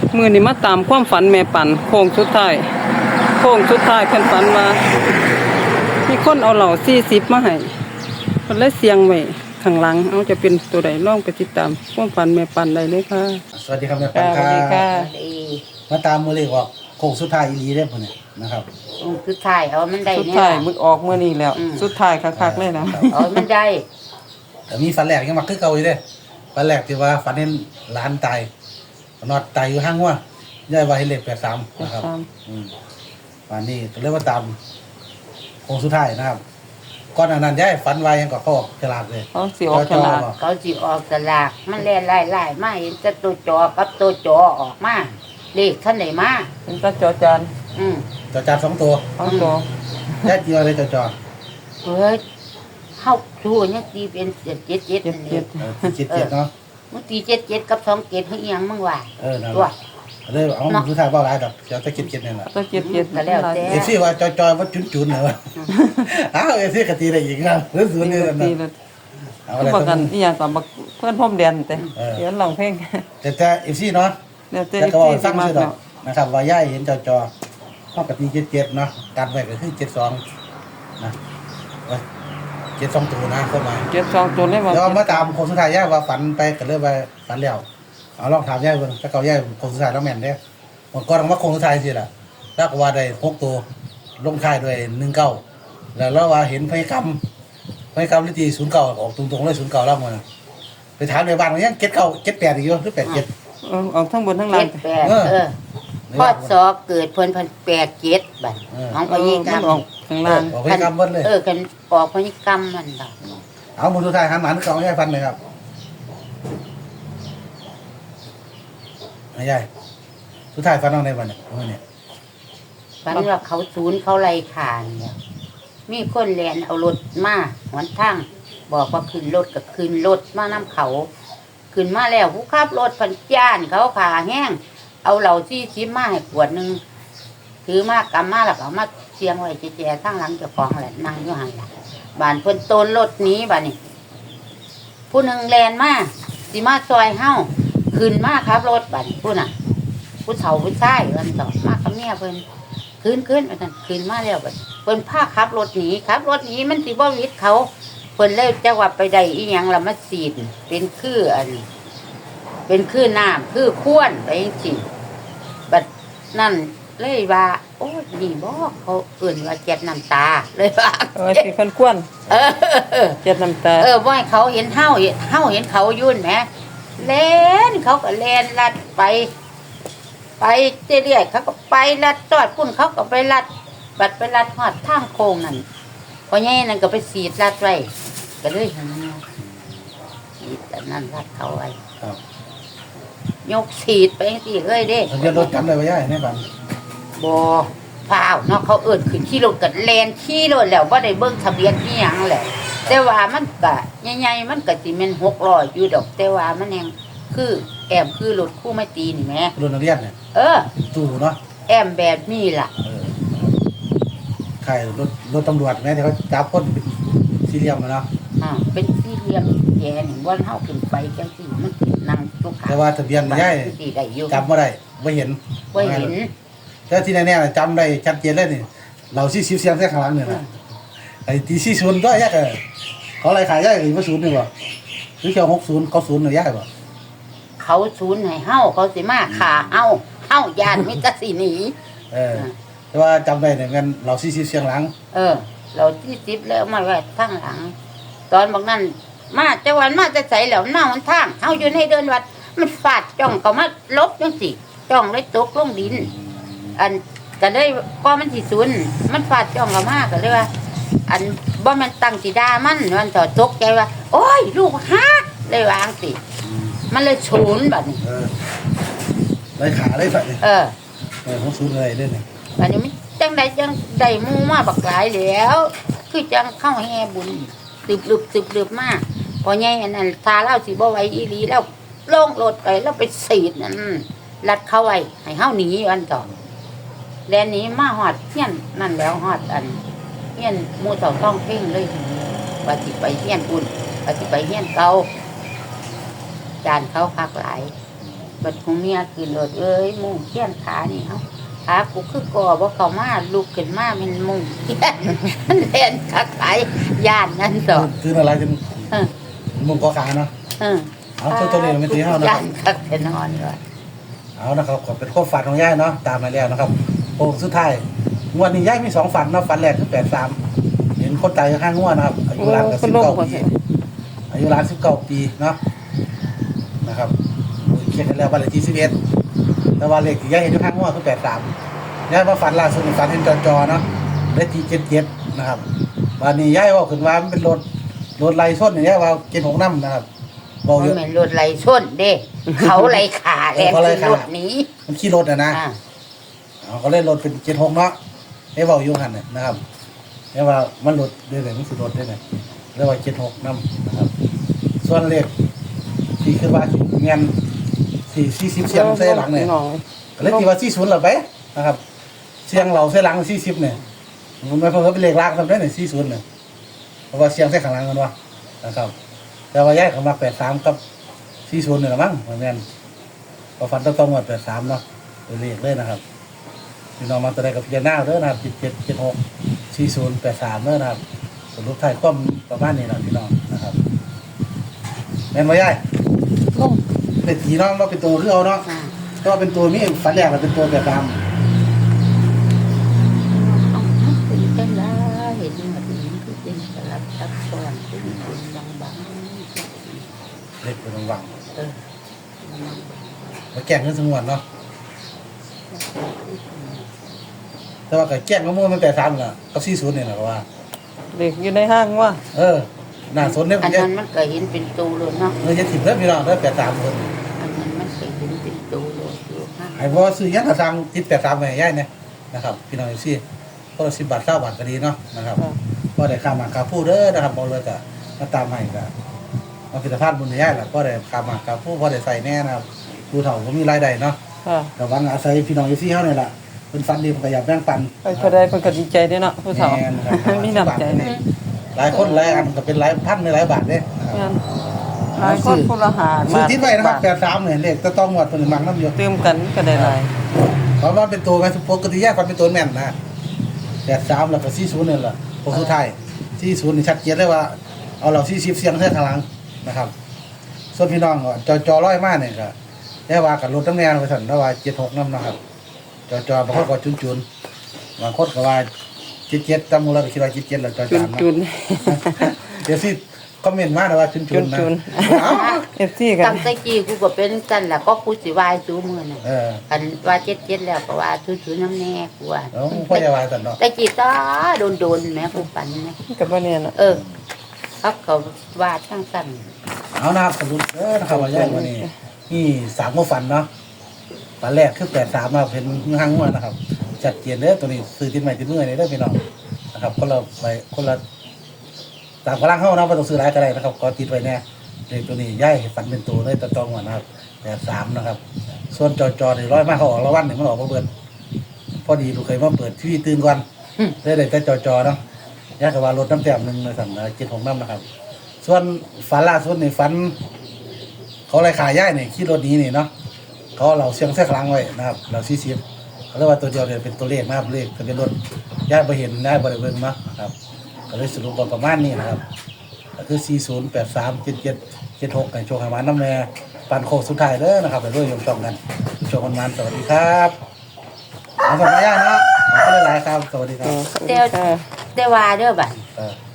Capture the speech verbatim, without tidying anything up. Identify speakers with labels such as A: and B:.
A: มือนี่มาตามความฝันแม่ปันโค้งสุดท้ายโค้งสุดท้ายเพิ่นฝันว่ามีคนเอาเหล่าสี่สิบมาให้เพิ่นเลยเสียงไว้ข้างหลังเอาจะเป็นตัวใดลองไปติดตามความฝันแม่ปันได้เลยค่ะ
B: สวัสดีครับแม่ปันค
A: สวั
B: รั
A: สดีค่ะ
B: บมาตามมือเลขออกโค้งสุดท้ายอีหลีเด้อพุ่นเนี่ยนะครับ
C: องค์สุดท้ายเอามันได้
A: สุด
C: เนี่ย
A: ท้ายมึกออกมื้อนี้แล้ว
C: อืม
A: สุดท้ายคักๆเลยนะ
C: เอามันได้
B: แต่มีฝันแรกยังมาคือเก่าอยู่เด้อฝันแรกที่ว่าฝันเห็นหลานตายนอนตายอยู่ห้างว่ายายว่าเห็นเลขแปดสามนะครับอืมวันนี้ก็เลยมาตามโค้งสุดท้ายนะครับก่อนหน้านั้นยายฝันไว้ยังก็เข้าออกฉลาดเลย
A: เขาสิออกฉลาด
C: เขาสิออกสลากมันแล่ไล่ไล่มาเห็นแต่ตัวจอกับตัวจอออกมาเลขท่านไหนมา
A: เป็นตาจอจาน
C: อืม
B: จอจานสองตัว
A: เอาตัวย
B: ายจีว่าเลยจอจอ
C: เฮ้ยเข้าทูเนี่ยตีเป็นเจ็ดเจ็ดเจ็ด
A: เจ็ด
C: นี่
A: เจ็ด
B: เออเจ็ดเจ็ดเนาะ
C: มึงตีเจ็ดเจ็ดกับสองเจ็ดเฮ้ยยังมึงว่า
B: เออนั่น
C: ตัว
B: เลยเอาสุดท้ายเบาหลายดอกเดี๋ยวจะเจ็ดเจ็ดนี่แหละ
A: ตาเจ็ดเจ็ด
C: ก็แล้วแต่
B: เอฟซีว่าจอยจอยว่าจุนจุนเหรออ้าวเอฟซีกตีได้อีกนะหรือศูนย์นี่แหละ
A: ตี
B: นะ
A: เลย
B: เอา
A: ก็
B: อะไร
A: บอก
B: กั
A: กัน นอีหยังกับบักเพื่อนพ่อมแดนแต่
B: เออ
A: เดี๋ยวร้องเพลง
B: แต่แต่เอฟซีเนาะ
A: เดี๋ยวเจ๊
B: แต่ก็ว่า
A: ที่
B: ฟัง
A: มา
B: ซื่อดอกนะครับว่าย่ายเห็นจอจอห้องกตีเจ็ดเจ็ดเนาะการไว้ก็คือเจ็ดสองนะเจ็ดสองตัวนะเข้ามา
A: เจ็ดสองตัวเลยว่า
B: แล้วมาตามคนสุดท้ายย่ายว่าฝันไปก็เลยว่าฝันแล้วเอาลองถามย่ายเบิ่งถ้าเก่าย่ายคนสุดท้ายแล้วแม่นเด้มันก็ต้องว่าคนสุดท้ายสิล่ะถ้าก็ว่าได้หกตัวลงท้ายด้วยหนึ่งเก้าแล้วเราว่าเห็นพยกรรมพยกรรมลิตีศูนย์เก้าออกตรงๆเลยศูนย์เก้าแล้วมันไปถามในบ้านมันยังเจ็ดเก้าเจ็ดแปดอีกอยู่หรือแปดเจ็ด
A: เออเอาทั้งบนทั้งล่า
C: เจ็
A: ง
C: ดแปดเออพอสอเกิดเพิ่นพันแปดเจ็ดบัดของพ
A: เออ
C: ยิกร
A: มั
C: ร
A: น
C: ม
A: ออกข้างล่าง
B: ออกพยกรรมเบิ้ลเลย
C: เออกันออกพยิกรรมมันดอก
B: เอาหมดสุดท้ายหันหมันเก่าย่ายฟันเลยครับย่ายสุดท้ายฟันเอาในวันเนี่ยเมื่อเนี่ย
C: ฝันว่าเขาศูนย์เขาไล่ขานเนี่ยมีคนแลนเอารถมาหนทางบอกว่าขึ้นรถกับขึ้นรถมาน้ำเขาขึ้นมาแล้วผู้ขับรถพันจ้านเขาขาแห้งเอาเหล่าที่ชิมมาให้ขวดหนึ่งถือมากกำมาแล้วก็เอามาเชียงไว้เจ๊ๆทั้งหลังเจ้าของแหละนั่งอยู่ห่างละบานเพิ่นโตนรถหนี้บานนี่ผู้หนึ่งแลนมาสิมาซอยเฮ้าขึ้นมาครับรถบานนี่ผู้น่ะ ผู้เฒ่าผู้ชายวันต่อมากับเมียเพิ่นคืนคืนไปนั่นคืนมาแล้วบัดเพิ่นพาขับรถหนีขับรถหนีมันสิบ่วิดเขาเพิ่นเลยจังว่าไปได้อีหยังละมาสีดเป็นคืออันเป็นคือน้ำคือข้วนไปจังซี่บัดนั่นเลยว่าโอ้ยนี่บ่เขาเอื่นว่าเจ็ดน้ำตาเลยว่า
A: เออสิคนควน
C: เออ
A: เจ็ดน้ำตา
C: เออบ่ให้เขาเห็นเฮาเห็นเฮาเห็นเขายุ่นแหมเล่นเขาก็เล่นลัดไป ไปเรื่อยๆเขาก็ไปลัดจอดพุ่นเขาก็ไปลัดบัดไปลัดหอดทางโค้งนั่นพอแง่นั่นก็ไปสีดลัดไว้ก็เลยเห็นสีดแต่นั่นลัดเขาไว้
B: ครับ
C: ยกสีดไปสิเลยเด้
B: ทะเบียนรถจำได้ไหมย่ายในบ้าน
C: บ่เปล่าเนาะเขาเอิ้นขึ้นขี่รถกับแลนขี่รถแล้วบ่ได้เบิ่งทะเบียนอีหยังแหละแต่ว่ามันก็ใหญ่ๆมันก็สิแม่นหกร้อยอยู่ดอกแต่ว่ามันยังคือแอมคือรถคู่ไม่ตีนี่แหม
B: รถนักเรียนเนี่ย
C: เออ
B: ตู้เนาะ
C: แอมแบบนี้ล่ะ
B: เออใครรถรถตำรวจแม้ที่เขาจับคนเป็นสี่เหลี่ยมอะเนาะ
C: อ่าเป็นสี่เหลี่ยมแย่นี่ว่าเฮาขึ้นไปจังซี่มันขึ้นนั่งทุกขา
B: แต่ว่าทะเบียนย่าย
C: สิได้อยู่
B: จำไม่ได้ไม่เห็น
C: บ่เห็น
B: แต่ที่แน่ๆจำได้ชัดเจนเลยนี่เราซี่ซิวเสียงแค่ข้างหลังเนี่ยนะไอ้ตีซี่ศูนย์ก็ยากเลยเขาอะไรขายย่ายหรือว่าศูนย์นี่บ่หรือเจ้าหกศูนย์เขาศูนย์หรือย่ายบ่
C: เขาศูนย์ให้เฮาเขาสิมาฆ่าเฮาเฮาย่านมิตรสิหนี
B: เออแต่ว่าจำได้เนี่ยงั้นเราซี่ซิวเสียงหลัง
C: เออ เราที่สิบแล้วมาไว้ทางหลัง ตอนบอกนั้นมาจังหวันมาจะใส่แล้วหน้ามันทางเฮาอยู่ในเดินวัดมันฟาดจ้องก็มาลบจังซี่จ้องเลยตกลงดิน อันก็ได้ก็มันสิศูนย์มันฟาดจ้องก็มาก็เลยว่า อันบ่แม่นตั้งสิดามันมันถอดตกใจว่า โอ้ยลูกฮักเลยวางสิมันเลยศูนย์บัดนี้
B: เออไรขาไรใส่
C: เออ
B: เออของศูนย์อะไรเล่นเนี่ย
C: บัดนี้มันจังใดจังได้หมู่มาบักหลายแล้ว คือจังเข้าแห่บุญตึบลึบตึบลึบมากพอใหญ่อันนั้นทาเล่าสิบ่ไหวอีหลีแล้วลงรถไปแล้วไปสีดนั่นลัดเข้าไว้ให้เฮาหนีอันต่อแลนนี้มาฮอดเฮียนนั่นแล้วฮอดอันเฮียนหมู่เฒ่าต้องเพ่งเลยว่าสิไปเฮียนบุญว่าสิไปเฮียนเก่าจานเขาคักหลายบัดของเมียขึ้นรถเอ้ยมุ่งเขี้ยนขานี่เอ้าขากูคือก่อบ่เข้ามาลุกขึ้นมาเป็นมุ่งเขี้ยนมันแล่นคักไปย่านนั่นดอก
B: คืออะไรจน
C: เออ
B: มุมกอขาเนาะ
C: เออ
B: เอาตัวตัวนี้เราไม่ตีเท่านะค
C: ย่า
B: รับ
C: นคักแต่นอนเลย
B: เอานะครับขอเป็นข้อฝันของย่ายเนาะตามมาแล้วนะครับโอ้สุดท้ายงวดนี้ย่ายมีสองฝันเนาะฝันแรกคือแปดสามเห็นคนตายข้างงวดนะครับอายุ
A: โอ้
B: รานกับ
A: เพิ่
B: สิ
A: น
B: บ
A: ลง
B: เก้า
A: บ่
B: ปี
A: เห็น
B: อายุรานสิบเก้าปีเนาะนะครับเขียนกันแล้ววันเลขที่สิบเอ็ดแต่ว่าเลขที่ย่ายเห็นอยู่ข้างงวดคือแปดสามย่ายมาฝันล่าสุดนี่ฝันเห็นจอจอเนาะได้ที่เจ็ดเจ็ดนะครับวันนี้ย่ายว่าขึ้นว่ามันเป็นรถรถไล่ส้นอย่างเงี้ยว่าเจ็ดหกน้ำนะครับบอก
C: บ่
B: เยอะ
C: แม่นรถไหลชนเด้ เขาไหลขาแล่น
B: เขาไหล่
C: ขึ้น
B: ขา
C: รถหนี้
B: มันขี่รถอะนะ
C: อ่า
B: เอาก็เล่นรถเป็นเจ็ดหกเนาะไอ้เบาอยู่หันเนี่ยนะครับไอ้ว่ามันรถได้เลยมันคือรถได้เลยเรียกว่าเจ็ดหกนำนะครับ ส่วนเลขที่คือว่าเงินสี่สี่สิบเสียงเส้หลังเนี่ย
A: น้อง
B: ก็เลยที่ว่าสี่ศูนย์หรอไปนะครับ เสียงเราเส้หลังสี่สิบเนี่ยมันไม่เพิ่มเป็นเลขลากทำได้เนี่ยสี่ศูนย์เนี่ยเพราะว่าเสียงเส้ข้างหลังกันวะนะครับ แต่ว่าย้ายเขามาแปดสามกับสี่ศูนย์เนี่ยมั้งเหมือนกันพอฟันต้องต้องหมดแปดสามเนาะเป็นเลขเลยนะครับพี่น้องมาตัวใดกับพี่น้าเด้อนะครับเจ็ดเจ็ดเจ็ดหกสี่ศูนย์แปดสามเด้อนะครับสรุปไทายความประมาณนี้นะพี่น้องนะครับแม่นว่าย้าย
A: ลง
B: เป็นผีน้องเราเป็นตัวเรือเอาเนาะ
C: อ่า
B: ก็เป็นตัวมีฝันแรกเราเป็นตัวแบบตาม
C: เอาเป็นจังได๋เห็นแบบนี้คือเป็นสลับซับซ้อนเป็นคนบาง
B: เล็กเป็นวัง
C: ๆเออ
B: แล้วแกล้งขึ้นสงวนเนาะแต่ว่าก็แกล้งก็มั่วมันแปดสามน่ะกับสี่ศูนย์เนี่ยนะว่า
A: เด็กอยู่ในห้างว่า
B: เออน่าสนเนี่ย
C: อัน
B: เยอะ
C: นั้นมันก็เห็นเป็นตูเลยเนาะ
B: เออจะถิ่มเด้อพี่น้องเด้อแปดสามคน
C: อันนั้นมันก็เห็นเป็นตูเลยอยู่ฮะ
B: ไอ้บ่ซื้อยังกระซังติดแปดสามไปย่ายเนี่ยนะครับพี่น้องซี่ก็สิบบาทเก้าบาทก็ดีเนาะนะครับก็ได้ค่าหมากค่าผู้เด้อนะครับบ่เลยก็มาตามให้ก็มาพิจารณาบุญย่ายล่ะก็ได้ค่าหมากค่าผู้พอได้ใส่แน่นะครับผู้เฒ่าก็มีรายได้เนาะ
A: ค่ะ
B: แต่ว่าอาศัยพี่น้องซี่เฮานี่ล่ะเพิ่นฟันดีเพิ่นก็อยากแบ่งปัน
A: ไปก็ได้เพิ่นก็ดีใจเด้เนาะผู้เฒ่า
B: แม่นครับ
A: มีน้ำใจ
B: นี่หลายคนหลายอันก็เป็นหลายพันหลายบาทเด้นะครับ
A: งานหลายคนคนละหา
B: ซื้อทิศไว้นะครับ
A: าท
B: แปดสามเนี่ยเลขจะต้องหมดเพิ่นมักนำอยู่
A: เติมกันก็ได้หลาย
B: เพราะว่าเป็นตัวแม่นปกติแยกกันเป็นตัวแม่นนะแปดสามแล้วก็สี่ศูนย์นี่แหละพวกสุดท้ายสี่ศูนย์นี่ชัดเจนเลยว่าเอาเราสี่สิบเสียงเท่าข้างหลังนะครับ ส่วนพี่น้องก็จอจอร้อยมากเนี่ยก็ได้ว่ากับรถตั้งแนวไปสั่นได้ว่าเจ็ดหกน้ำนะครับ จอจอบางคนก็จุนจุนบางคนก็ว่าเจ็ดเจ็ดตามมูลเราคิดว่าเจ็ดเจ็ดแล้วจอ
A: จุ
B: จาน นนะ
A: จุน
B: เดี๋ยวสิคอมเมนต์มานะว่าจุนจุ
A: จุ
B: น
A: น
B: นะ
A: จุน
B: เอ้า
A: เอฟซีกั
C: ตั้
A: น
C: งแต่กี้กูก็เป็นกันล่ะก็กูสิวายซูมือน่ะ
B: เออ
C: อันว่าเจ็ดเจ็ดแล้วก็ว่าทุทุน้ำแน่กูว่า
B: แล้วพ่อจะว่าสั่นเนาะ
C: แต่กี้ตาโดนโดนๆแม่กูปันแม่
A: กับบ่เนี่ยน่ะ
C: เออเขาเขาว่าทั้งสั่น
B: เอานะครับสรุปเออนะครับว่าย่ายวันนี้นี่สามโมฟันเนาะตอนแรกคือแปดสามนะครับเป็นห้างงวดนะครับจัดเกียนเด้อตัวนี้ซื้อติดใหม่ติดมือนี่เด้อพี่น้องนะครับคนละใบคนละตามกำลังเข้านะไม่ต้องซื้อหลายก็ได้นะครับก็ติดไว้แน่เลขตัวนี้ย่ายฝันเป็นตัวเลยตะตองก่อนนะครับแปดสามนะครับ ส่วนจอจอนี่ร้อยมากเขาออกละวันหนึ่งมันออกมาเบิดพอดีลูกเคยมาเปิดทีวีตื่นก่อนได้เลยแต่จอจอเนาะย่ายกับว่ารถน้ำแต้มหนึ่งเลยสั่งเจ็ดของน้ำนะครับ ส่วนฝันล่าสุดนี่ฝัน เขาอะไรขายย่ายนี่ขี่รถหนี้นี่เนาะเขาเอาเราเสียงแท้ครั้งไว้นะครับ เราซีซีเขาเรียกว่าตัวเดียวเนี่ยเป็นตัวเลขนะครับเลขทะเบียนรถย่ายไปเห็นย่ายบริเวณเนาะครับก็เลยสรุปว่าประมาณนี้นะครับก็คือสี่ศูนย์แปดสามเจ็ดเจ็ดเจ็ดหกในโชว์หามันน้ำแม่ปันโคกสุดท้ายเด้อนะครับไปด้วยยมชมกันโชว์กันมันสวัสดีครับเอาสวัสดีย่ายเนาะขอบคุณหลายๆครับสวัสดีครับ
A: เดี๋ยว
C: แต่ว่าเด้อบัด
B: เออ